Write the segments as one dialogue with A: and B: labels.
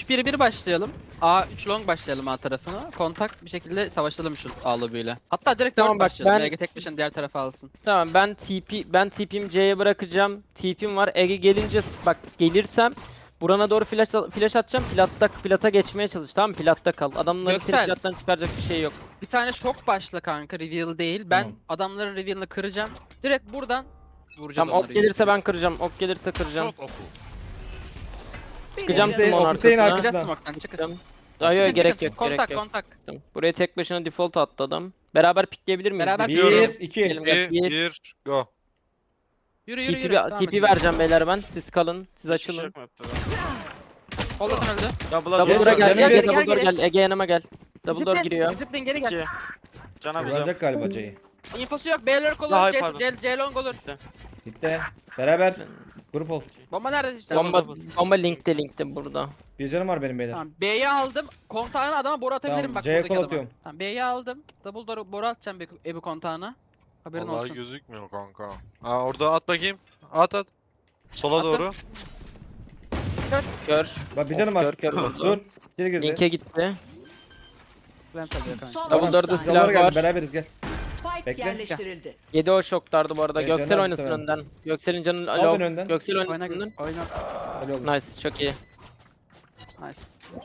A: 3-1-1 başlayalım. A3 long başlayalım A tarafına. Kontak bir şekilde savaşalım şu A lobiyle. Hatta direkt
B: Tamam,
A: 4
B: bak
A: başlayalım.
B: ben-
A: Ege tek başına diğer tarafa alsın.
B: Tamam ben TP'mi C'ye bırakacağım. TP'm var. Ege gelince bak gelirsem burana doğru flash atacağım. Plata geçmeye çalış, tamam mı? Platta kal. Adamların seni
A: Göksel.
B: plattan çıkaracak bir şey yok.
A: Bir tane şok başla kanka, reveal değil. Ben
C: Tamam.
A: adamların reveal'ını kıracağım. Direkt buradan vuracağız
B: Tamam, ok
A: onları.
B: gelirse ben kıracağım. Ok gelirse kıracağım.
D: Çok oku.
B: Çıkacağım
C: Ofisteyim,
B: Simon
C: ofisteyim
B: arkasına.
C: arkasına.
A: Biraz smoke'tan çıkın.
B: Çıkacağım. Ay ay, gerek yok,
A: Kontak
B: gerek yok.
A: kontak.
B: Tamam. Buraya tek başına default attı adam. Beraber pickleyebilir miyiz?
A: Beraber
B: Diyorum.
C: 1, 2.
B: Gelin, gel.
D: 1 go.
A: Yürü yürü
B: TP,
A: yürü. Devam
B: TP
A: edin.
B: vereceğim beyler ben. Siz kalın. Siz
E: Hiçbir şey
B: açılın.
E: yok map'te.
A: Ollasın öldü.
E: Double'a
B: Double
C: Gel,
B: door'a
C: gel,
B: gel.
C: gel,
B: Ege
A: gel,
B: double door
A: gel.
B: gel. Ege yanıma gel. Double door giriyor.
A: Discipline geri gel.
E: 2. Cana bize.
C: Kullanacak galiba C'yi.
A: İnfosu yok. B lurk olur.
E: Daha iyi,
A: C,
E: pardon.
A: C long olur.
C: Gitti. Beraber. Grup ol.
A: Bomba nerede işte?
B: Bomba linkte burada.
C: Bir canım var benim beyler.
A: Tamam, B'yi aldım. Kontağına adama boru atabilirim
C: Tamam,
A: bak
C: C'ye
A: buradaki
C: kol
A: adama.
C: atıyorum.
A: Tamam, B'yi aldım. Double door boru atacağım Ebu kontağına. Haberin
D: Vallahi
A: olsun.
D: gözükmüyor kanka. Ha orada at bakayım. At at. Sola
A: Attım.
D: doğru.
B: Kör.
C: Bak bir canım var.
B: Kör vurdu.
C: Dur. İçeri girdi.
B: Linke gitti.
A: Plant alıyor kanka.
F: Son
B: Double
F: 30
B: door'da
F: saniye.
B: silah
C: Silahlara geldi.
B: var.
C: Beraberiz gel.
F: Spike
C: Bekle.
F: yerleştirildi.
B: 7 o şoklardı bu arada.
C: Evet,
B: Göksel
C: Caner
B: oynasın
C: muhtemelen.
B: önden. Göksel'in canı
C: Al
B: alo.
C: beni önden.
B: Göksel
A: Oyna
B: oynasın önden.
A: oyna.
C: Öyle oldu.
B: Nice, çok iyi.
A: Nice.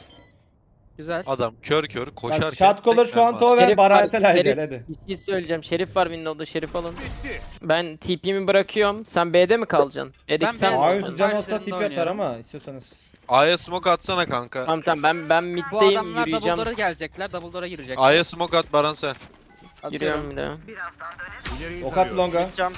A: Güzel.
D: Adam kör kör koşarken.
C: Bak shot caller şu an to ve
B: Şerif var,
C: Baratel
B: Şerif.
C: gel hadi.
B: Bir şey söyleyeceğim. Şerif var Windows'da. Şerif alın. Ben TP'mi bırakıyorum. Sen B'de mi kalacaksın? Edik
A: Ben
B: sen
A: B'de-
B: mi
C: A'yı
A: Ben
B: olacaksın?
C: can olsa
A: üzerinde
C: tip atar
A: oynuyorum.
C: ama istiyorsanız.
D: A'ya smoke atsana kanka.
B: Tamam tamam, ben
A: Bu
B: middeyim,
A: adamlar double
B: yürüyeceğim.
A: door'a gelecekler. Double door'a girecekler.
D: A'ya smoke at Baran sen.
B: Yürüyorum bir de.
D: Hmm.
C: Ok at longa.
E: Cam.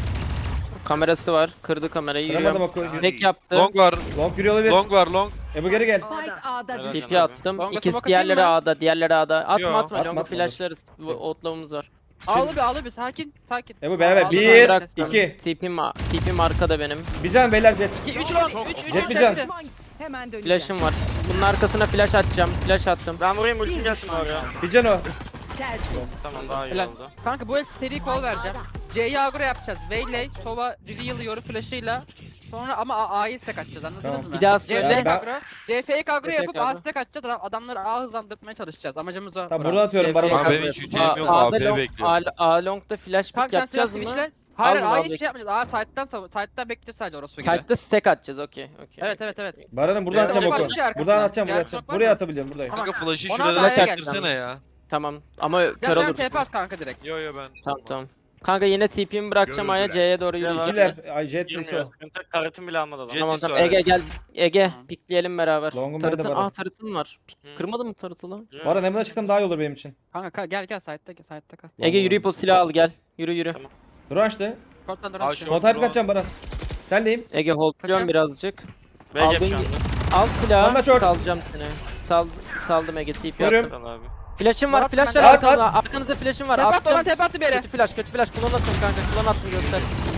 B: Kamerası var. Kırdı kamerayı,
C: Kıramadım
B: yürüyorum.
C: oku.
B: Tek yaptı.
D: Long var.
C: Long yürüyor olabilir.
D: Long var long.
C: Ebu geri gel.
F: Spike A'da
E: Helal.
F: düştü.
B: TP attım.
A: Longa
B: İkisi
A: smoke
B: diğerleri
A: atayım mı?
B: A'da. Diğerleri A'da. Atma
D: Yo,
B: atma.
C: atma,
B: Longa
C: atma.
B: flashlarız. Outlaws var.
A: Ağlı bir sakin sakin.
C: Ebu beraber.
A: Aldım,
C: 1,
A: aldım.
C: 2.
B: TP'm arkada benim.
C: Bir can beyler jet.
A: 3 long 3
C: Jet bir can.
F: Hemen döneceğim.
B: Flash'ım var. Bunun arkasına flash atacağım. Flash attım.
E: Ben vurayım ultim gelsin oraya.
C: Bir can o.
F: Tersi.
E: Tamam daha iyi
A: Helal.
E: oldu.
A: Kanka bu el seri call vereceğim. C'yi agro yapacağız. Veyley, Sova reveal yoru flash'ıyla. Sonra ama A'yı stack atacağız, anladınız
C: Tamam.
A: mı?
B: Bir daha
A: C
B: söyle.
A: fake
C: Ben-
A: agro. C fake agro
B: Fake
A: yapıp A
B: agro.
A: stack atacağız. Adamları A hızlandırmaya çalışacağız. Amacımız o.
C: Tamam
A: Burak.
C: buradan atıyorum Baran.
D: Abi benim hiç şeyim yok. AP bekliyorum.
B: A long'da flash pick
A: Kanka sen silah
B: yapacağız mı?
A: switchle. Hayır
B: Aldım,
A: A'yı
B: aldım.
A: hiç şey yapmayacağız. A side'dan bekleyeceğiz sadece orospu gibi.
B: Side'da stack atacağız, okey.
A: Evet evet evet.
C: Baran'ım buradan
D: Evet,
C: atacağım
D: var,
C: oku.
A: bir şey arkasına.
C: Buradan atacağım
A: Diğer
C: buraya atacağım.
A: smoke var
C: Buraya
A: mı?
C: atabiliyorum buradayım.
A: Tamam.
D: Kanka flash'ı
A: Ona
D: şurada
A: da
D: da
A: A'ya
D: sektirsene ya.
B: Tamam ama kör
A: Gel
B: olur.
A: TP at kanka direkt.
D: Yo yo ben.
B: Tamam. Kanka yine TP'mi bırakacağım A'ya, C'ye doğru yürüyeceğim.
C: İkiler. Ay jet sesi o.
E: Girmiyor. Sıkıntı yok. Karetim bile almadı adam.
D: Jet-
B: Tamam
D: Jet'i
B: tamam, Ege gel. Ege
A: Tamam.
B: pickleyelim beraber.
C: Long'um bende
B: Tarıtın,
C: var.
B: tarıtın var.
D: Hı.
B: Kırmadın mı tarıtı lan?
E: Yo.
C: Baran hemen çıksam daha iyi olur benim için.
A: Kanka gel side'da kal.
B: Ege yürüyüp o silahı al gel. Yürü.
E: Tamam.
C: Dur açtı.
A: Korttan dur.
D: Aa,
A: Al
D: şu-
C: Kontrol kaçacağım Baran. Sendeyim.
B: Ege holdluyorum
A: Kaçacağım.
B: birazcık.
E: B gap
B: Aldın-
E: şu anda.
B: Al silahı,
C: Bana short.
B: salacağım seni. Saldım Ege, TP
C: Görüyorum.
B: attım.
E: Al abi.
B: Flash'ım var,
A: At,
B: flash
A: at,
B: var
C: at.
B: arkanızda. Arkanızda flash'ım var.
A: Tepe at
B: Attım.
A: ona tepe attı bir yere.
B: Kötü flash, kullan attım kanka. Kullan attım, göster.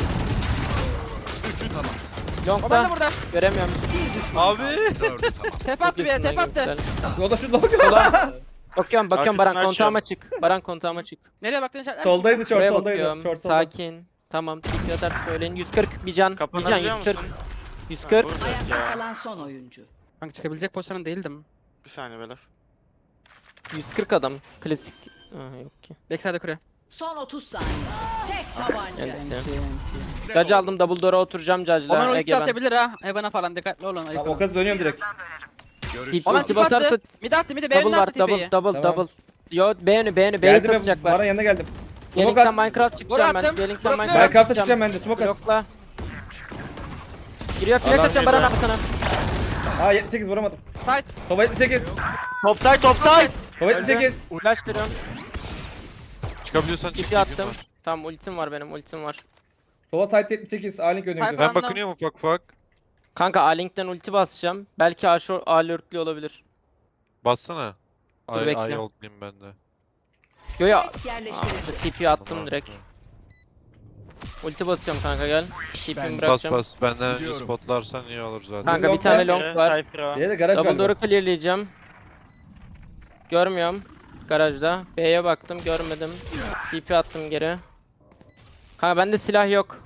D: Üçü tamam.
A: O ben de
B: Long'da
A: burada.
B: göremiyorum.
D: Abi.
A: Tepe attı bir yere, tepe attı.
C: Yolda şu long.
B: Kullan. Bakıyorum
E: Arkasını
B: Baran
E: açıyorum.
B: kontağıma çık. Baran kontağıma çık.
A: Nereye baktın işaretler?
C: Soldaydı short
B: Buraya
C: soldaydı.
B: bakıyorum.
C: Short solda.
B: Sakin. Tamam. TP atar söyleyin. 140 bir can. Bir can
E: Kapanabiliyor
B: 140.
E: musun?
B: 140.
E: Vuracak
F: Ayakta
E: ya.
F: kalan son oyuncu.
A: Kanka çıkabilecek pozisyonun değildim.
E: Bir saniye beyler.
B: 140 adam. Klasik. Yok ki.
A: Backside'e kuruyor.
F: Son 30 saniye. Tek tabanca.
B: Kendisi. Judge aldım, double door'a oturacağım
A: Oman
B: Judge'la.
A: ulti
B: Ege ben.
A: atabilir ha. Evan'a falan dikkatli olun.
C: Tamam o kadar dönüyorum direkt.
B: Tip
A: Oman
B: ulti
A: tip
B: basarsa
A: attı. Mid attı mid
B: double
A: önüne
B: var.
A: attı tipeyi.
B: Double.
C: Tamam.
B: Yo beğeni B'yi
C: Geldim Baran
B: satacaklar.
C: yanına geldim. Smoke
B: Gelink'ten
C: at.
B: Minecraft çıkacağım ben.
A: attım.
B: Gelink'ten
A: Bırakıyorum.
B: Minecraft
C: Minecraft'a
B: çıkacağım.
C: çıkacağım ben de smoke at.
B: Yokla. Giriyor flash
E: Adam
B: atacağım Baran
E: geliyor.
B: abi sana.
C: Aa 78 vuramadım.
A: Side.
C: Soba 78.
E: Topside topside.
C: Soba 78.
B: Flash veriyorum.
D: Çıkabiliyorsan çık.
B: Tipi attım. Tamam ultim var benim, ultim var.
C: Soba site 78. A-Link önüne
A: Pipe
C: gidiyor.
D: Ben bakınıyorum ufak ufak.
B: Kanka A-Link'ten ulti basacağım. Belki A-Lurk'lü olabilir.
D: Bassana.
B: Dur,
D: Ay
B: bekle.
D: ay oldayım ben de.
B: Yo ya.
F: Spike yerleştirildi.
B: TP attım direkt. Ulti basıyorum kanka gel. TP'mi
D: Bas
B: bırakacağım.
D: bas benden önce spotlarsan iyi olur zaten.
B: Kanka bir
C: Long
B: tane
C: var.
B: long var.
E: Cypher var.
C: Diğeri de garaj
B: Double
C: galiba.
B: door'u clearlayacağım. Görmüyorum. Garajda. B'ye baktım görmedim. TP attım geri. Kanka bende silah yok.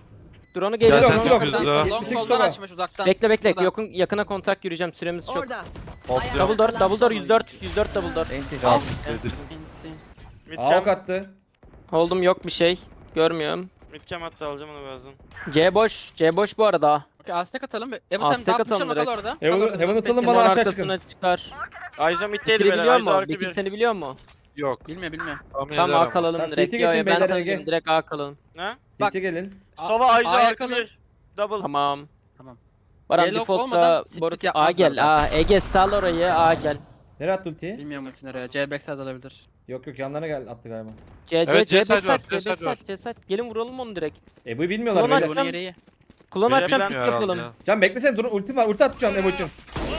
B: Drone'u
D: Gel
B: geliyor.
D: sen
C: yok,
D: de
C: yok.
D: hızlı.
A: Long
C: 78
A: soldan
C: sola.
A: açmış uzaktan.
B: Bekle bekle.
A: Şurada.
B: Yakına kontak yürüyeceğim. Süremiz çok.
F: Orada.
D: Hopluyorum.
B: Double door 104 double door.
A: Al.
E: Mid
C: Avuk
E: cam.
C: attı.
B: Hold'um yok bir şey. Görmüyorum.
E: Mid cam attı alacağım onu birazdan.
B: C boş. C boş bu arada.
A: Okey Aztek atalım. Ebu
B: Aztek
A: sen daha
B: atalım
A: pushlama kal
B: direkt.
A: orada.
C: Heaven-
A: Kal orada,
C: Heaven
A: space'in.
C: atalım
B: Bana
C: bana aşağı
B: arkasına çıkar.
E: Aiza mid'deydi
B: Bekir'i
E: beyler.
B: biliyor
E: Aiza
B: mu?
E: artı
B: Bekir
E: 1.
B: seni biliyor mu?
D: Yok.
A: Bilmiyor.
D: Tahmin
B: Tamam
D: eder
B: A
D: ama.
B: kalalım
C: Tamam,
B: direkt.
C: CT
B: Yo,
C: geçin
B: ben
C: beyler,
B: sana
C: Ege.
B: diyorum direkt A kalalım.
E: Ne?
A: Bak.
C: CT gelin.
E: Sova Aiza
A: A'ya
E: artı
A: kalın.
E: 1. Double.
B: Tamam.
A: Tamam.
B: Baran
A: Yellow
B: default'ta
A: olmadan split
B: Borut A
A: yapmazlar
B: gel.
A: zaten.
B: A Ege sal orayı A gel.
C: Nereye attı ultiyi?
A: Bilmiyorum ulti nereye. C backside olabilir.
C: Yok yok yanlarına gel attı galiba.
B: C
D: Evet, C side var,
B: backside,
D: C side var.
B: C side. Gelin vuralım onu direkt.
C: Ebu'yu bilmiyorlar
B: Ulan
C: beyler.
A: Bunun yeri iyi.
B: Kullan
E: Biri
B: atacağım
E: bilmiyor
B: pick yapalım.
C: Can beklesene dur ultim var. Ulti atacağım Ebu için.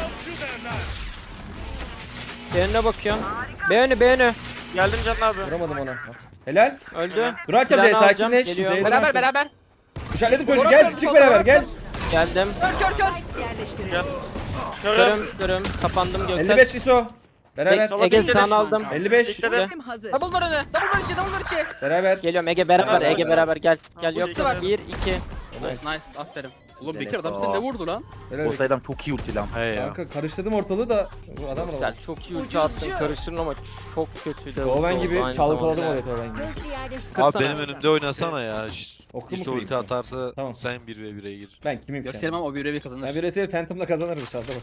B: B önüne bakıyorum. B önü.
E: Geldim Can abi.
C: Vuramadım ona. Helal.
B: Öldü.
C: Dur açacağım
B: Silahını
C: C'yi
B: alacağım,
C: sakinleş.
B: geliyorum.
C: C'yi
A: Beraber
C: açtım.
A: beraber.
C: Kuşatladım çocuğu
A: Vurun,
C: gel
A: vurun,
C: çık
A: vurun,
C: beraber
A: vurun.
C: gel.
B: Geldim.
F: Yerleştirildi.
E: Gel. Körüm.
B: Körüm. Kapandım Göksel.
C: 55 ISO. Beraber.
E: Sola
B: Ege
E: dikkat et.
B: sana aldım.
C: 55.
E: Dikledim.
F: Hazır.
A: Double door önü. Double door içi. Double door içi.
C: Beraber.
B: Geliyorum Ege beraber.
E: Beraber.
B: Ege beraber gel. Gel
E: bu
B: yok.
E: ikisi var.
B: 1 2.
A: Nice. Aferin. Oğlum
G: Güzel
A: Bekir adam
G: Eko.
A: seni ne vurdu lan?
C: Helal.
G: O sayıdan çok iyi ulti lan.
D: He ya.
C: Kanka karıştırdım ortalığı da bu adam var.
B: Güzel. Çok iyi ulti attın. Karıştırın ama çok kötüydü.
C: Oven
B: Oldu
C: gibi
B: aynı
C: çalkaladım
B: zamanda.
C: oraya Oven gibi.
D: Abi
B: Kırsana.
D: benim önümde oynasana ya.
C: Oku
D: Bir
C: mu
D: ulti
C: kırayım?
D: atarsa
C: Tamam.
D: sen 1v1'e gir.
C: Ben kimim ki?
A: Göstermem
C: yani?
A: o bir
C: Ben
A: kazanır.
C: bir resel Phantom'la kazanırım inşallah bak.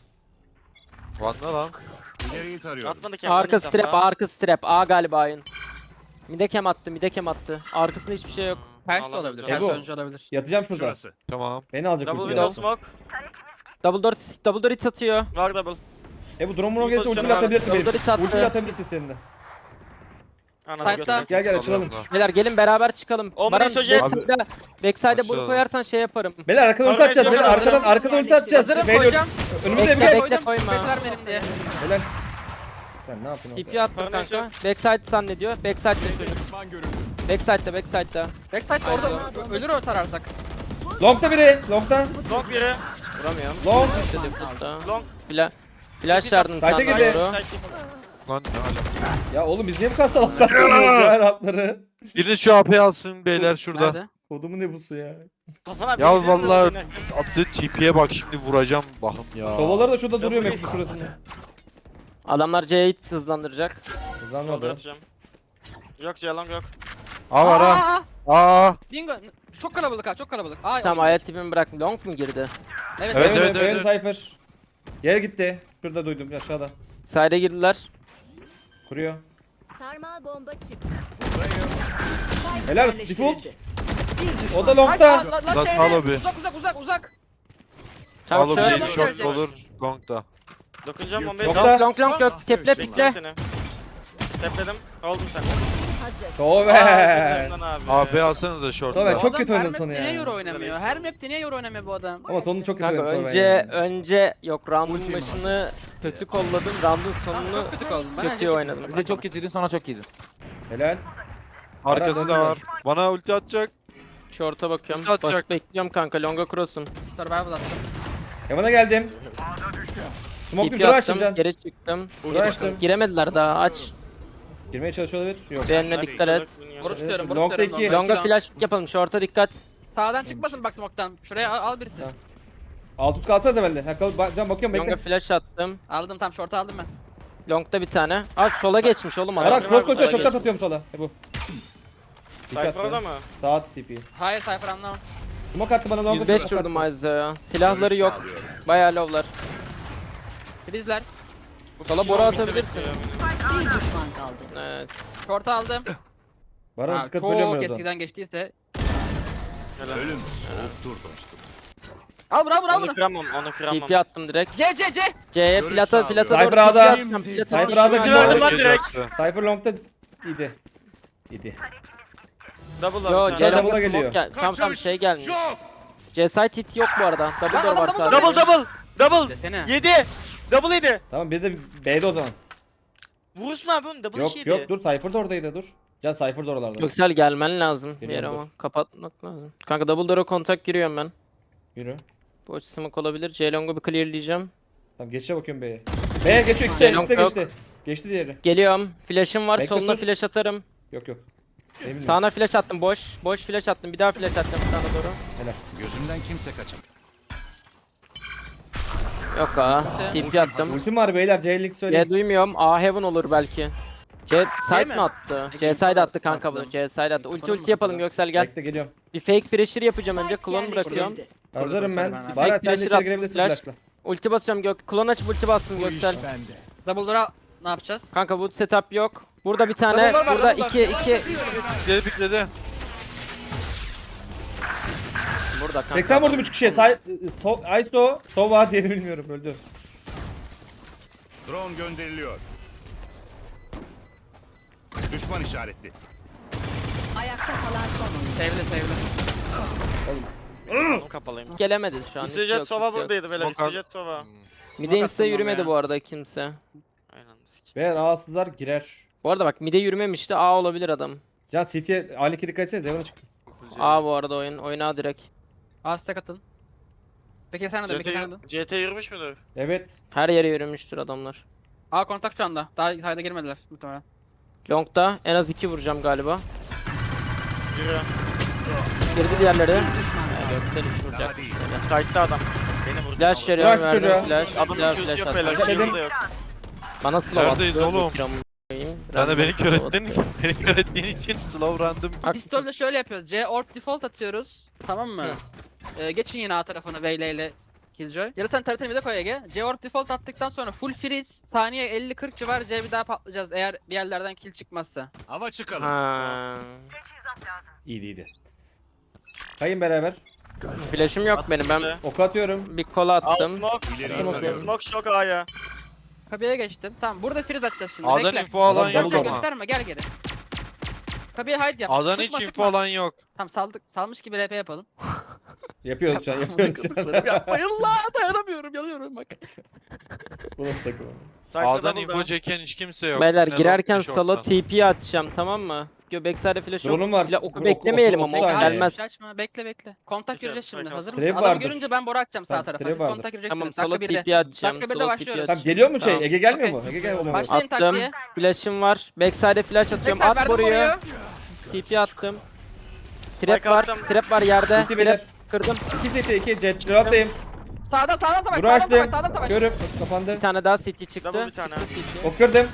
D: Vanna lan.
E: Atmadı kendini.
B: Arka strap, arka strap. A galiba ayın. Midekem attı. Arkasında hiçbir şey yok.
A: Ters de olabilir.
C: Ego.
A: Ters oyuncu olabilir.
C: Yatacağım şurada.
D: Tamam.
C: Beni alacak
E: Double
C: ulti.
E: window
C: yarasın.
E: smoke.
B: Double door hit atıyor.
E: Var double.
C: Bu drone gelirse
E: pozisyonu
C: ulti
E: var.
C: atabilirsin benim.
B: Double attı.
C: Ulti atabilirsin seninle.
E: Anladım
A: Side'da.
E: göster.
C: Gel açılalım.
B: Beyler gelin beraber çıkalım.
E: Omni
B: Baran
E: Sojet.
B: backside'e boru
D: Açılalım.
B: koyarsan şey yaparım.
C: Beyler arkadan ulti
E: Sonra
C: atacağız. Beyler
E: yapalım.
C: arkadan ulti atacağız.
A: Hazırım
C: Beyler,
A: koyacağım.
C: önümüzde
B: Bekle,
C: bir gel.
B: bekle. koyma.
A: Space vermeyelim diye.
C: Helal. Sen ne yaptın
B: TP
C: orada?
B: attım
E: Sonra
B: kanka.
E: neyse.
B: Backside zannediyor. Backside'de çocuk. Backside'da.
A: Backside orada ölür o tararsak.
C: Long'da biri. Long'da.
E: Long biri.
B: Vuramıyorum.
C: Long.
B: İşte default'ta.
E: Long.
B: Flash yardım
C: Site'e
B: sana
C: girdi.
B: doğru.
D: Lan ne ala.
C: Ya oğlum biz niye bu kadar salak saklıyoruz ya ratları?
D: Biriniz şu AP'yi alsın beyler şurada.
A: Nerede?
C: Kodumun ne busu ya?
E: Hasan abi.
D: Ya
E: izliyor musun
D: vallahi
E: beni?
D: attığı TP'ye bak şimdi vuracağım bakım ya.
C: Sobaları da şurada duruyor map'in şurasında.
B: Adamlar C'yi hızlandıracak.
E: Shoulder
C: Hızlanmadı.
E: atacağım. Yok C long yok.
D: A var ha. A.
A: Bingo. Çok kalabalık ha, çok kalabalık. Ay,
B: Tamam
A: ay.
B: aya tipimi bırak. Long mu girdi?
A: Evet.
D: Evet,
C: Evet
D: evet, evet.
C: Cypher. Yere gitti. Şurada duydum aşağıda.
B: Side'e girdiler.
C: Kuruyor.
F: Sarmal bomba çıktı.
C: Helal,
F: Yerleştirildi.
C: default.
F: Bir düşman.
C: O da
A: Ay,
C: long'da.
A: lan
D: Last
A: şeyde.
D: follow bir.
A: Uzak.
D: Sağlı
B: Çabuk
D: bir
A: çabuk.
D: short
A: Gelecek.
D: olur. Gong da.
E: Dokunacağım bombayı.
C: Yok.
B: Long yok. Teple
E: Bekledim
B: pikle.
E: seni. Tepledim. Oldum sen.
F: Hazır.
C: Tove.
D: AP alsanız da short.
C: Tove
D: da.
C: çok kötü
A: Her
C: oynadı
A: map'te
C: sonu
A: niye
C: ya.
A: euro oynamıyor? Her map'te niye euro oynamıyor bu adam?
C: Ama sonu çok kötü
B: Kanka
C: oynadı Tove.
B: önce yok round'un başını kötü kolladım. Round'un
A: Tamam,
B: sonunu
A: çok kötü kaldım. Ben
B: kötü oynadım.
G: Bir de çok kötüydün sonra çok iyiydin.
C: Helal.
D: Arkası da var. Bana ulti atacak.
B: Short'a bakıyorum.
D: Atacak.
B: Basit bekliyorum kanka. Long'a cross'um.
A: Survival attım.
C: Heaven'a geldim. Smoke bir
B: TP
C: dur
B: attım.
C: açtım can.
B: Geri çıktım.
C: Dur açtım.
B: Giremediler daha aç.
C: Girmeye çalışıyor olabilir. Yok.
B: Beğenine dikkat et.
A: Boru tutuyorum, boru
C: Long'da
A: tutuyorum.
C: iki.
B: Long'a flash yapalım. Short'a dikkat.
A: Sağdan çıkmasın bak smoke'tan. Şuraya al birisi.
C: Tamam. Alt üst kalsana da bende. Ha, can bakıyorum
B: Long'a
C: bekle.
B: flash attım.
A: Aldım tam short'u aldım ben.
B: Long'da bir tane. Aç sola geçmiş oğlum adam.
C: Arak
E: Sola
C: cross koşuyor
B: geçmiş.
C: şokta atıyorum sola. Bu.
E: Cypher orada mı?
C: Sağ TP.
A: Hayır Cypher anlamam.
C: Smoke attı bana long'a.
B: 105 vurdum Aizo'ya. Silahları yok. Bayağı low'lar.
A: Freeze'ler.
B: Sola boru atabilirsin.
F: Bir düşman kaldı.
B: Evet.
A: Short'u aldım.
C: Baran
A: Ha,
C: dikkat bölüyorum
A: çok
C: ben o zaman.
A: eskiden geçtiyse.
E: Helal.
A: Al bravo
E: Onu
A: bunu.
E: kıramam, onu kıramam.
B: TP attım direkt.
A: C.
B: C'ye plata doğru
C: Cypher
B: TP
C: A'da.
B: atacağım. Plata
C: Cypher A'da
B: TP
E: verdim lan
D: Gece
E: direkt.
D: attı.
C: Cypher long'da iyiydi. İyiydi.
E: Double
B: Yo
E: var.
C: C'ye
B: C
C: double'a
B: long'a
C: geliyor.
B: smoke gel. Tamam şey gelmiyor. C site hit yok bu arada. Double door var sadece.
E: Double.
A: Desene.
E: 7. Double 7.
C: Tamam bir de B'de o zaman.
E: Vurursun abi onu double
C: Yok
E: 7.
C: yok dur Cypher da oradaydı dur. Can Cypher da oralarda.
B: Göksel gelmen lazım bir
C: Geliyorum,
B: yere ama kapatmak lazım. Kanka double door'a kontak giriyorum ben.
C: Yürü.
B: Boş smoke olabilir. C long'u bir clearleyeceğim.
C: Tamam geçe bakıyorum B'ye. B'ye geçiyor ikisi de
B: Long
C: ikisi de
B: yok.
C: geçti. Geçti diğeri.
B: Geliyorum. Flash'ım var.
C: Bekle,
B: Soluna
C: sus.
B: flash atarım.
C: Yok yok. Emin
B: Sağına flash attım boş. Boş flash attım. Bir daha flash attım sana doğru.
H: Gözümden kimse kaçamaz.
B: Yok ha. TP attım.
C: Ultim var beyler. C-Link
B: C
C: söyleyeyim.
B: duymuyorum. A heaven olur belki. C side
A: mi?
B: mi attı? C side attı kanka bunu.
A: Attım.
B: C side attı. Ulti
A: Yapalım
B: ulti yapalım
A: mı?
B: Göksel gel.
C: Bekle geliyorum.
B: Bir fake pressure yapacağım önce.
F: Spike
B: Klon bırakıyorum.
F: yerleştirildi.
C: Hazırım ben.
A: Ben-
C: Baran sen de
B: Flash'ı
C: içeri
B: attım,
C: girebilirsin
B: flash.
C: flash'la.
B: Ulti basıyorum Klon açıp ulti bastım Göksel.
A: Double door'a ne yapacağız?
B: Kanka wood setup yok. Burada bir tane.
A: Double door var,
B: Burada
A: double door.
B: 2.
D: Pikledi pikledi.
B: Burada kanka.
C: 80 vurdum 3 kişiye. Iso, Sova diye bilmiyorum öldü.
H: Drone gönderiliyor. Düşman işaretli.
F: Ayakta kalan son oyuncu.
A: Sevdi.
E: Kapalıyım.
B: Gelemedi şu an. hiç
E: İstijet
B: yok,
E: Sova
B: hiç yok.
E: buradaydı böyle.
D: Smoke
E: İstijet Sova.
B: Mide insta
A: attım
B: yürümedi
A: ya.
B: bu arada kimse.
E: Aynen. sik.
C: Beyler ağızsızlar girer.
B: Bu arada bak mide yürümemişti. A olabilir adam.
C: Can City'ye A2 dikkat etsenize. Evan'a çıktı.
B: A bu arada oyun. Oyna direkt.
A: A stack atın. Peki sen de, peki sen de.
E: CT yürümüş müdür?
C: Evet.
B: Her yere yürümüştür adamlar.
A: A kontak şu anda. Daha sayda girmediler muhtemelen.
B: Long'da en az 2 vuracağım galiba.
E: Yürü.
B: Girdi diğerleri.
F: Düşman
B: Göksel hiç vuracak.
H: Daha değil.
E: Site'da adam. Beni vurdu.
B: Flash
C: Bırak
B: veriyorum
C: çocuğa.
B: verdim flash.
E: Adamın
B: Diğer
E: Q'su
B: flash
E: yok
B: attı.
E: beyler.
C: Dedim.
E: Q'su da yok.
B: Bana slow attı.
D: Neredeyiz oğlum? Sen de beni kör ettin. Beni kör ettiğin için slow random.
A: Pistolde şöyle yapıyoruz. C orb default atıyoruz. Tamam mı? Geçin yine A tarafına Veyle ile Killjoy. Ya da sen taratını bir de koy Ege. C orb default attıktan sonra full freeze. Saniye 50-40 civar C bir daha patlayacağız eğer bir yerlerden kill çıkmazsa.
H: Hava çıkalım.
B: Ha.
C: İyiydi. Kayın beraber.
B: Flash'ım yok benim. Ben
C: Ok atıyorum.
B: bir kola
E: Al
B: attım.
E: smoke.
H: İleriyi
C: Tamam,
H: tarıyorum.
E: Smoke şok A'ya.
A: Kabiye geçtim. Tamam burada freeze atacağız şimdi.
D: A'dan
A: Bekle.
D: info alan
C: Adam
D: yok
C: double
D: ama.
A: Gösterme gel geri. Kabiye hide yap.
D: A'dan
A: Sıkma,
D: hiç info
A: sıkma.
D: alan yok.
A: Tamam salmış gibi RP yapalım.
C: Yapıyoruz şu an. Yapıyoruz şu an.
A: Yapmayın la dayanamıyorum yanıyorum bak.
C: Bu nasıl takım?
E: Site'da
D: A'dan
E: double
D: info
E: down.
D: çeken hiç kimse yok.
B: Beyler
D: Ne
B: girerken
D: long, ne
B: solo
D: short'tan.
B: TP atacağım tamam mı? Backside'e flash yok.
C: Drone'um var.
B: Bile oku
C: Oku-
B: beklemeyelim
C: oku-
B: ama
C: oku-
B: ok
C: oku-
B: gelmez.
A: Açma bekle. Kontak
E: Güzel,
A: gireceğiz şimdi.
E: spike
A: Hazır
E: aldım.
A: mısın?
C: Trap
A: Adamı
C: vardır.
A: görünce ben boru atacağım sağ
C: Tamam,
A: tarafa.
C: trap
A: Siz
C: vardır.
A: kontak gireceksiniz.
B: Tamam solo
A: Dakika 1'de.
B: TP atacağım.
A: Dakika 1'de
B: Solo
A: başlıyoruz.
B: TP
C: Tamam geliyor mu şey?
B: Tamam.
C: Ege gelmiyor mu?
A: Okey.
C: Ege gelmiyor mu?
A: Başlayın
B: Attım.
A: taktiğe.
B: Flash'ım var. Backside'e flash atıyorum.
A: Backside
B: At
A: verdim
B: boruyu.
A: oraya.
B: TP attım.
E: Spike
B: Trap var.
E: attım.
B: Trap var yerde.
C: City beyler.
B: Trap kırdım.
C: 2 City 2 jet. Cevaptayım.
A: Sağdan savaş.
C: Buru
A: Sağdan
C: açtım.
A: savaş. Sağdan savaş.
C: Görüp kapandı.
B: Bir tane daha CT çıktı.
E: Double bir tane.
B: Çıktı CT.
C: Ok kırdım.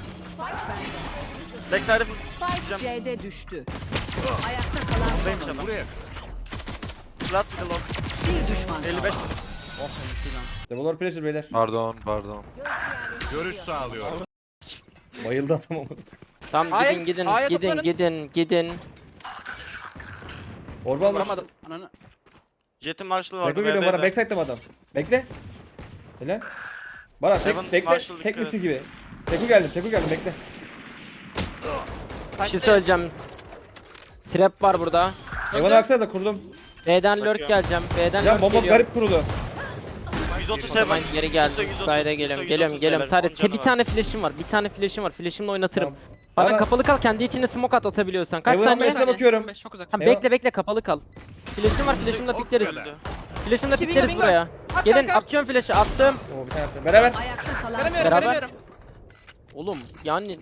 E: Backside'e
F: Spike C'de düştü. Ayakta kalan son
E: buradaymış
F: oyuncu.
E: adam.
H: Buraya.
E: Flat bir de long.
F: Bir düşman
E: 55.
F: kaldı.
C: Double pressure beyler.
D: Pardon.
H: Görüş sağlıyor.
C: Bayıldı adam ama.
B: Tamam
A: Ay,
B: gidin
A: A'ya
B: gidin
A: toplanın.
B: gidin.
C: Orba almış.
A: Vuramadım. Ananı.
E: Jet'in Marshall'ı vardı.
C: Beko geliyor bana.
E: B'deydi.
C: Backside'de mi adam? Bekle. Helal. Bana
E: Evan,
C: bekle.
E: Marshall
C: Tek
E: dikkat
C: misin gibi. Teku geldim bekle.
B: Bir şey söyleyeceğim. Trap var burada.
C: Evan'a baksana da kurdum.
B: B'den lurk
E: Bakıyorum.
B: geleceğim. B'den
C: Ya
B: lurk
C: bomba
B: geliyor.
C: garip kurulu.
E: 130
B: O zaman
E: heaven.
B: geri geldim.
E: ISO 130,
B: Side'e
E: ISO
B: geliyorum.
E: 130
B: Geliyorum.
E: beyler,
B: Sadece
E: 10
B: bir
E: canı
B: tane flash'im var. Bir tane flash'im var. Flash'imle oynatırım.
C: Tamam.
B: Bana
C: Bana-
B: kapalı kal. Kendi içine smoke atabiliyorsan. Kaç
C: Evan
B: saniye?
C: Mesut'a bakıyorum.
A: Çok uzak.
B: Tamam
C: Eyvah.
B: bekle kapalı kal. Flash'im var. Flash'imle pikleriz.
E: Öldü.
B: Flash'imle
A: İki
B: pikleriz
A: bingo.
B: buraya.
A: At
B: Gelin
A: kanka.
B: atıyorum flash'ı. Attım.
C: Oo bir tane attı. Beraber.
F: Ayakta kalan son
A: Göremiyorum
B: Beraber.
A: göremiyorum.
B: Oğlum yani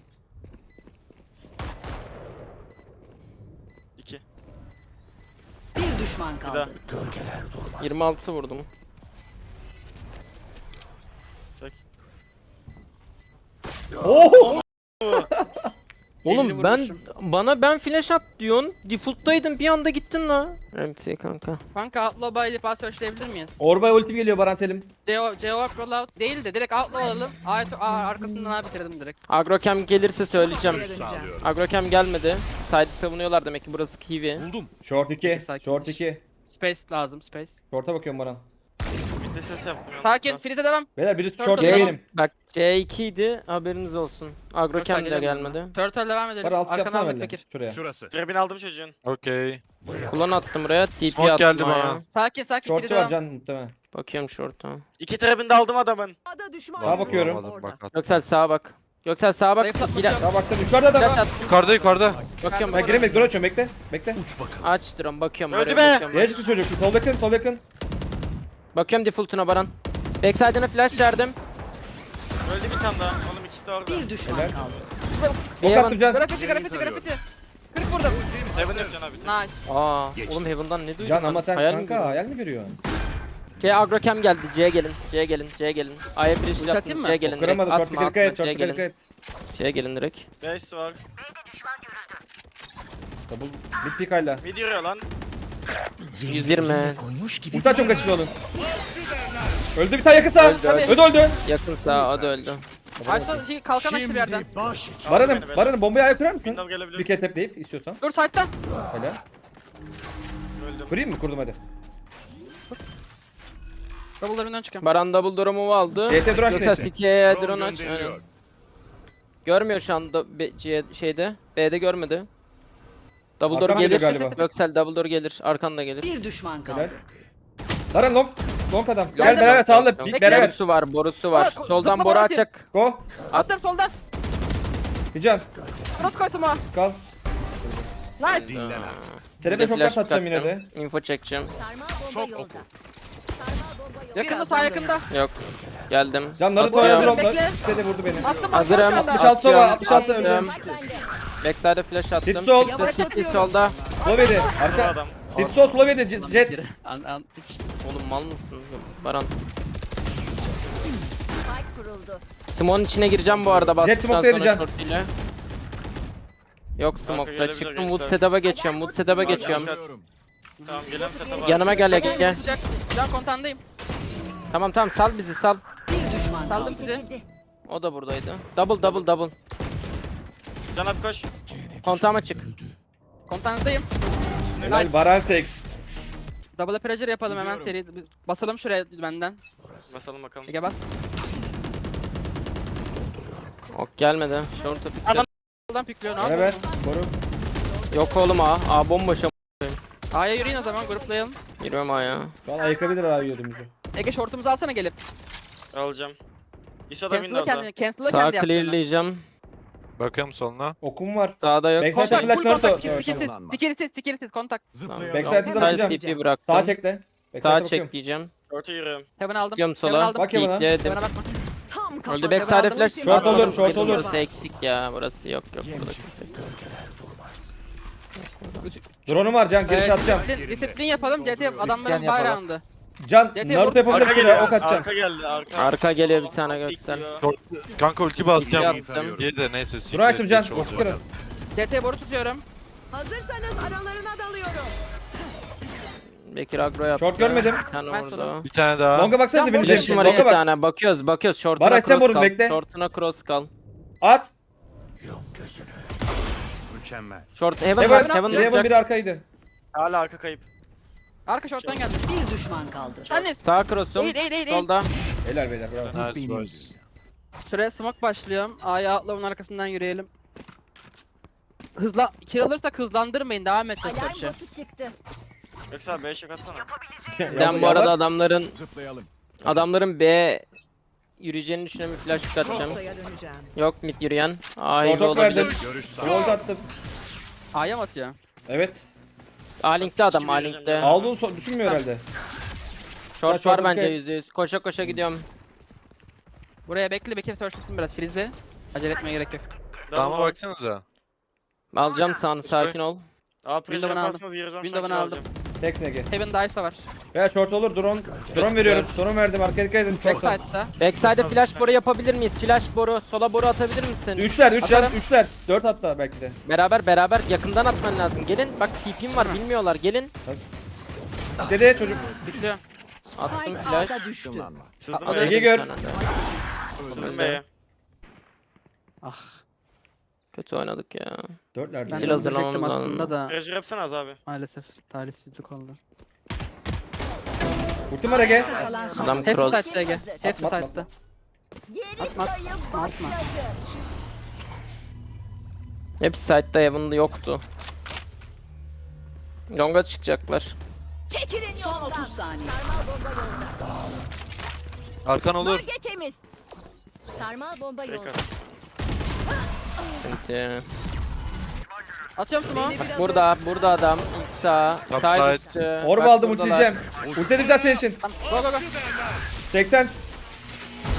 E: 2.
F: bir düşman
E: Bir daha.
F: kaldı.
B: 26 vurdum.
E: Çek.
C: Oo!
B: Oğlum
A: 50
B: ben
A: vurmuşum.
B: ben flash at diyorsun. Default'taydım bir anda gittin la. Evet kanka.
A: Kanka outlaw by ile pas searchleyebilir miyiz?
C: Orbay ultim geliyor Baran Selim.
A: CO rollout değil de direkt outlaw alalım. Arkasından A bitirdim direkt.
B: Agrocam gelirse söyleyeceğim.
H: Görüş sağlıyorum.
B: Agrocam gelmedi. Side'ı savunuyorlar demek ki burası kiwi.
H: Buldum.
C: Short 2.
A: Peki, sakin.
C: Short 2.
A: Space lazım space.
C: Short'a bakıyorum Baran.
E: Bir de ses yaptım.
A: Sakin
E: yanlışlıkla.
A: freeze devam.
C: Beyler biri
A: Short
C: short
A: devam.
C: benim.
B: Bak C2 idi haberiniz olsun. Agrocam
A: Turtle
B: bile
A: gelelim
B: gelmedi.
A: Turtle devam edelim.
C: Baran altı
A: Arkana
C: yapsana
A: Ahmet
C: benimle.
A: Bekir.
C: Şuraya.
H: Şurası.
E: Trebini aldım çocuğun.
D: Okey.
B: Kullan attım buraya. TP
D: Smoke
B: attım
D: geldi
B: ayağa.
D: bana.
A: Sakin freeze
C: Short'u var
A: devam.
C: can muhtemelen.
B: Bakıyorum short'a.
E: 2 trebini de aldım adamın.
C: Sağa bakıyorum.
D: Vuramadım, bak, at.
B: Göksel sağa bak. Göksel sağa bak.
A: Zayıflatma
B: Gire-
A: yok.
C: Sağa baktım. Yukarıda da
B: Flash
C: var.
B: at.
D: Yukarıda.
B: Bakıyorum
C: Ben giremedik. Dur açıyorum. Bekle. Bekle.
B: Aç drone bakıyorum
E: Öldü
B: buraya.
E: be!
B: Bakıyorum,
C: Yere çıktı çocuk. Sol yakın.
B: bakıyorum default'una Baran. Backside'ına flash verdim.
E: Öldü bir tane daha. Oğlum ikisi de orada.
F: Bir düşman
C: Helal.
F: kaldı.
C: Ok
B: Evan-
C: attım can.
A: Grafiti. 40 vurdum.
E: Heaven yok Can abi.
A: Nice.
B: Aa, oğlum Heaven'dan ne duydun?
C: Can
B: lan?
C: ama sen
B: Hayal mi
C: kanka
B: gördün?
C: hayal mi görüyorsun?
B: C agrocam geldi. C'ye gelin. C'ye gelin. C'ye gelin. A'ya bir
A: Ulti
B: iş
A: atayım
B: attınız.
A: mı?
B: C'ye gelin direkt.
C: Kıramadı. Short
B: Atma
C: dikkat et.
B: atma.
C: Short
B: C'ye
C: dikkat
B: gelin.
C: et.
B: C'ye gelin direkt.
E: Base var.
C: Double mid pick hala.
E: Mid yürüyor lan.
B: 120.
C: Ulti açım kaçışlı olun. Öldü bir tane yakın sağ. Öldü.
B: Yakın sağ o da öldü.
A: Aysa şey kalkan açtı bir yerden.
C: Baran'ım bombayı ayağa kurar mısın?
E: Window
C: Bir
E: gelebilir.
C: kere tepleyip istiyorsan.
A: Dur side'da.
C: Hala.
E: Öldüm.
C: Kurayım mı? Kurdum hadi.
A: Double'larından çıkıyorum.
B: Baran double drone'u aldı.
C: CT Duraş
B: Yoksa
C: neyse.
B: City'ye
H: Drone
B: drone aç.
H: gönderiliyor.
B: Aynen. Görmüyor şu anda şeyde. B'de görmedi. Double door
C: Arkam geliyor
B: gelir.
C: galiba.
B: Göksel double door gelir. Arkan da gelir.
F: Bir düşman kaldı.
C: Helal. Baran long. Long adam. Gel
A: Geldim.
C: beraber sağla.
A: Bekle.
C: Beraber.
B: Borusu var, borusu var.
A: Aa,
B: Soldan
A: zıplama
B: boru
A: atayım.
B: atacak.
C: Go.
A: Attım soldan.
C: Bir can.
A: Rot koysam ha.
C: Kal.
A: Nice.
H: Dinlen
B: Aa,
H: artık.
C: Terepe
B: bir de
C: çok
B: flash
C: atacağım yine de.
B: atacağım. Info çekeceğim.
F: Sarmal bomba
H: Şok
F: yolda.
H: oku.
F: Sarmal bomba yolda.
A: Yakında sağ yakında.
B: Yok. Geldim.
C: Can Naruto
B: Atıyorum.
C: oynadı
A: Bekle.
C: onda. İşte de vurdu beni.
A: Attım
B: Hazırım.
A: şu anda.
C: 66 sova,
B: Atıyorum.
C: 66 öldü.
B: Attım. Backside'e flash attım.
C: Hit sol.
B: City solda.
C: Slovedi.
E: Bu
C: Arka.
E: adam.
C: Hit sol Slovedi. Jet.
A: An.
B: Oğlum mal mısın? Baran.
F: Spike kuruldu.
B: Smoke'un içine gireceğim bu arada bastıktan
C: smoke'da
B: sonra
C: edeceğim.
B: short ile. Yok smoke'da
E: gelebilir
B: çıktım.
E: gençler.
B: Wood setup'a geçiyorum. Wood setup'a geçiyorum.
E: Tamam gelen setup'a.
B: Yanıma gel Ege gel.
A: Can kontandayım.
B: Tamam tamam sal bizi sal.
F: Bir düşman
A: Saldım
F: kaldı.
A: sizi.
B: O da buradaydı. Double.
E: Can abi koş.
B: Kontağıma çık.
A: Kontandayım.
C: Helal Baran tek.
A: Double pressure yapalım hemen seri. Basalım şuraya benden.
E: Basalım bakalım.
A: Ege bas.
B: Ok gelmedi. Short'a pickle.
E: Adam-
A: Soldan pikliyor ne
C: Beraber.
A: yapalım?
C: Koru.
B: Yok oğlum A. A bomboş.
A: A'ya yürüyün o zaman gruplayalım.
B: Girmem A ya.
C: Şu an ayıkabilir abi yiyordumuzu.
A: Ege shortumuzu alsana gelip.
E: Alacağım. İso da
A: Cancel'la
E: window'da.
A: kendini. Cancel'la
B: Sağ
A: kendi yaptığını.
B: clearleyeceğim.
D: Bakıyorum soluna.
C: Okum var.
B: Sağda yok.
C: Backside
A: Kontak,
C: flash
A: full
C: Naruto.
A: kontak.
C: Evet.
A: Sikirsiz kontak.
H: Zıplayalım.
C: Backside'ı da
B: Side
C: atacağım.
B: TP bıraktım.
C: Sağa çekle.
B: Sağa
C: Backside'e bakıyorum.
B: çekleyeceğim.
E: Short'a yürüyorum.
A: Heaven aldım.
B: Gidiyorum
A: Heaven
B: sola.
A: aldım.
C: Bak ya bana.
B: Peekledim.
A: Heaven'a bakma.
F: Tam kafa.
B: Öldü backside'e flash.
C: Short olur, short olur.
B: Burası eksik ya. Burası yok burada kimse.
C: Drone'um var Can. Giriş atacağım.
A: Disiplin yapalım. CT adamların
G: yapalım.
A: bayrağında.
C: Can
A: Arka
C: Naruto yapabilir
E: Arka
C: şuraya
E: geliyor.
C: ok atacağım.
E: Arka geldi. Arka.
B: Arka geliyor bir tane Göksel.
E: Bekliyor.
D: Kanka ulti basacağım.
B: Yaptım.
D: Diye de neyse.
C: Dur açtım Can.
D: geç olacak.
C: Kırın.
A: CT boru tutuyorum.
F: Hazırsanız aralarına dalıyorum.
B: Bekir agro yaptı.
C: Short görmedim.
B: Bir tane
A: Ben
B: vurdu.
D: Bir tane daha.
C: Longa baksanıza
A: Can
C: benim
A: Flash
B: Flash'ım
C: flash'im.
B: var
C: Longa
B: iki
C: bak.
B: tane. Bakıyoruz. Short'una
C: Var, açsam
B: cross
C: vurun,
B: kal.
C: bekle.
B: Short'una cross kal.
C: At.
H: Mükemmel.
B: Short heaven
C: Heaven.
B: var. Heaven
C: Heaven
B: duracak.
C: biri arkaydı.
E: Hala arka kayıp.
A: Arka short'tan geldi.
F: Bir düşman kaldı.
A: Anne.
B: Sağ cross'um.
A: Eğil.
B: Solda.
C: Helal beyler bravo.
D: Nice boys.
A: Şuraya smoke başlıyorum. A'ya atla arkasından yürüyelim. Hızla kill alırsak hızlandırmayın. Devam edeceğiz
F: Alarm
A: search'e.
F: botu çıktı.
E: Yoksa abi 5 yok atsana.
B: Ben bu arada
H: Zıplayalım.
B: adamların B yürüyeceğini düşünen bir flash çıkartacağım.
F: döneceğim.
B: Yok mid yürüyen. A
C: Short
B: heavy
C: ok verdim.
B: olabilir.
H: Görüş sağ.
C: Yol attım.
A: A'ya mı atıyor?
C: Evet.
B: A linkte adam A linkte.
C: Aldığını düşünmüyor herhalde.
B: Short
C: short
B: var bence
C: dikkat et.
B: %100. Koşa koşa gidiyorum.
A: Buraya bekle Bekir search'lasın biraz. Freeze'e. Acele etmeye gerek yok.
D: Dama baksanıza.
B: Alacağım sağını sakin ol.
E: Aa pressure
A: Window'unu aldım.
E: yaparsanız gireceğim.
A: Window'unu
E: Window'unu
A: aldım.
E: aldım.
C: Tek nege.
A: Heaven Dice'a var.
C: Veya short olur drone veriyorum. Drone verdim arkaya dikkat edin short'a.
A: Backside'da.
B: Backside'e flash boru yapabilir miyiz? Flash boru, sola boru atabilir misin?
C: Üçler
A: Atarım.
C: 4 hatta belki de.
B: Beraber yakından atman lazım. Gelin bak TP'm var bilmiyorlar gelin.
C: Dede çocuk.
A: Pikliyor.
B: Attım
F: Spike
B: flash.
F: alta düştü.
E: Sızdım
A: Ege
E: B'ye.
C: Ege gör.
B: Bir tane de.
E: Sızdım B'ye.
A: Ah.
B: Kötü oynadık ya.
C: 4'lerde.
A: Ben
B: Sil
A: de
B: hazırlamamız
A: öldürecektim
B: lazım.
A: aslında da.
E: Pressure yapsana az abi.
A: Maalesef talihsizlik oldu.
C: Ultim var Ege.
F: Kalan son.
B: Adam
A: Hepsi
B: cross.
A: side'da Ege. Hepsi
C: Atma, atma.
A: side'da.
F: Geri
A: Atma,
F: sayım
A: atma.
F: başladı.
B: Hepsi side'da Heaven'da yoktu. Long'a çıkacaklar.
F: Çekilin son 30 saniye. Sarmal bomba yolda.
D: Arkan olur.
F: Bölge temiz. Sarmal bomba yolda.
E: Tekrar.
B: Sıkıntı.
A: Atıyorum smoke.
B: Bak burada adam. İlk sağ.
D: Top
B: Side
D: side.
B: üstü.
C: Orb
B: Bak
C: aldım
B: buradalar.
C: ultileyeceğim. Ultiledim zaten senin için.
A: Go go go.
C: 80.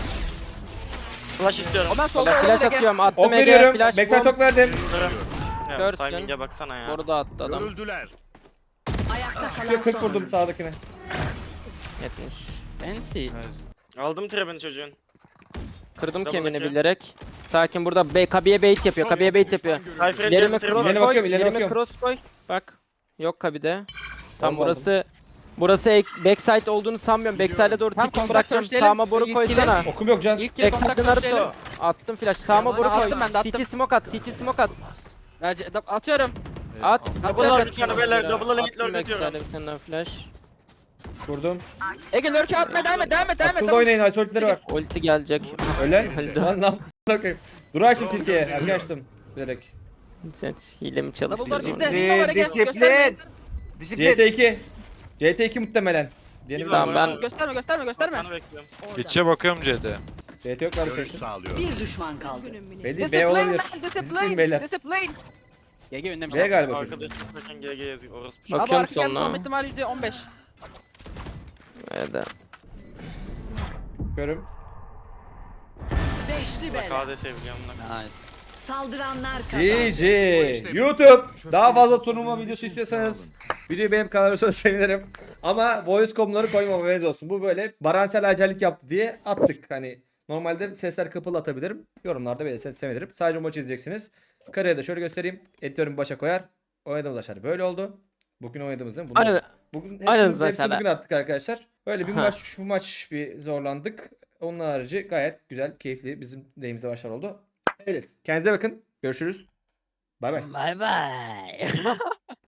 E: Flash istiyorum.
A: O ben solda
B: Flash
A: oynadım Ege.
B: atıyorum. Attım
C: Ok
B: Ege.
C: veriyorum.
B: Flash
C: Backside
B: bomb.
C: tok verdim.
E: Durun. Ya,
B: Görsün.
E: timing'e baksana ya.
B: Boru da attı adam.
H: Görüldüler.
F: Ayakta kalan
C: 40
F: son
C: vurdum
F: oyuncu.
C: sağdakine.
B: 70.
A: Fancy.
E: Aldım trebini çocuğun.
B: Kırdım
E: Double
B: kemiğini
E: kill.
B: bilerek. Sakin burada Kabi'ye bait yapıyor. Kabi'ye bait yapıyor.
E: Cypher'e
B: İlerime
E: geldi
B: cross
E: trebini.
C: İleri
B: koy.
C: bakıyorum, ileri
B: İlerime
C: bakıyorum.
B: cross koy. Bak. Yok Kabi'de. Tam
C: Olmadı.
B: burası backside olduğunu sanmıyorum. Backside'e doğru
A: Tam
B: tipimi
A: kontak
B: bırakacağım.
A: searchleyelim.
B: Sağıma boru
A: İlk
B: koysana.
C: Okum yok can.
A: İlk kere kontak
B: Backside'de
A: searchleyelim.
B: Naruto. Attım flash. Sağıma boru koy.
A: Attım ben de, attım.
B: CT smoke at. CT smoke at.
A: Atıyorum.
B: At.
E: Double
B: At.
E: lord bir tane beyler. Double lane
B: Attım
E: lord atıyorum.
B: backside'e bir tane daha flash.
C: Vurdum.
A: Ege lurk'e atma, devam et.
C: Akıllı oynayın. Isolitleri var.
B: Ulti gelecek.
C: Öyle.
B: Öldü.
C: Lan lan. Bakayım. Dur açtım silkeye. Erken açtım. Bilerek.
B: Hile mi
A: Double door
B: çalıştırdın?
A: bizde.
B: onu?
A: Window var Ege.
G: Disiplin.
A: Gösterme.
G: Disiplin.
C: CT2. CT2 muhtemelen. Diyelim
B: Tamam, ben-
A: Gösterme.
E: Kanı bekliyorum.
D: Pitch'e bakıyorum CT.
C: CT yok
H: Görüş
C: arkadaşlar.
H: sağlıyorum.
F: Bir düşman kaldı.
C: Belli B olabilir. Disiplin beyler.
A: Discipline. Ege önlemiş.
C: B galiba çocuk.
E: Arkadaş bakın GG yazıyor. Orospu.
B: Bak-
A: Abi
B: Bakıyorum
A: arka geldi,
B: sonuna.
A: olma ihtimali %15.
B: Evet.
C: Görüm.
F: Beşli bela.
E: KD seviliyorum da.
A: Nice.
F: Saldıranlar kazandı.
C: GG. YouTube. Daha fazla turnuva videosu istiyorsanız videoyu beğenip kanalıma sevinirim. Ama voice com'ları koymam, haberiniz olsun. Bu böyle Baransel acellik yaptı diye attık. Hani normalde sesler kapalı atabilirim. Yorumlarda belirtirseniz sevinirim. Sadece maçı izleyeceksiniz. Kariyerde şöyle göstereyim. Editörüm başa koyar. Oynadığımız aşağı böyle oldu. Bugün oynadığımız değil mi? Bunlar-
B: Aynen.
C: Bugün
B: Aynen
C: hepsini
B: zaten.
C: bugün attık arkadaşlar. Öyle bir
B: Ha.
C: maç, bu maç bir zorlandık. Onun harici gayet güzel, keyifli bizim lehimize maçlar oldu. Evet. Kendinize bakın. Görüşürüz. Bay bay.
A: Bye bye.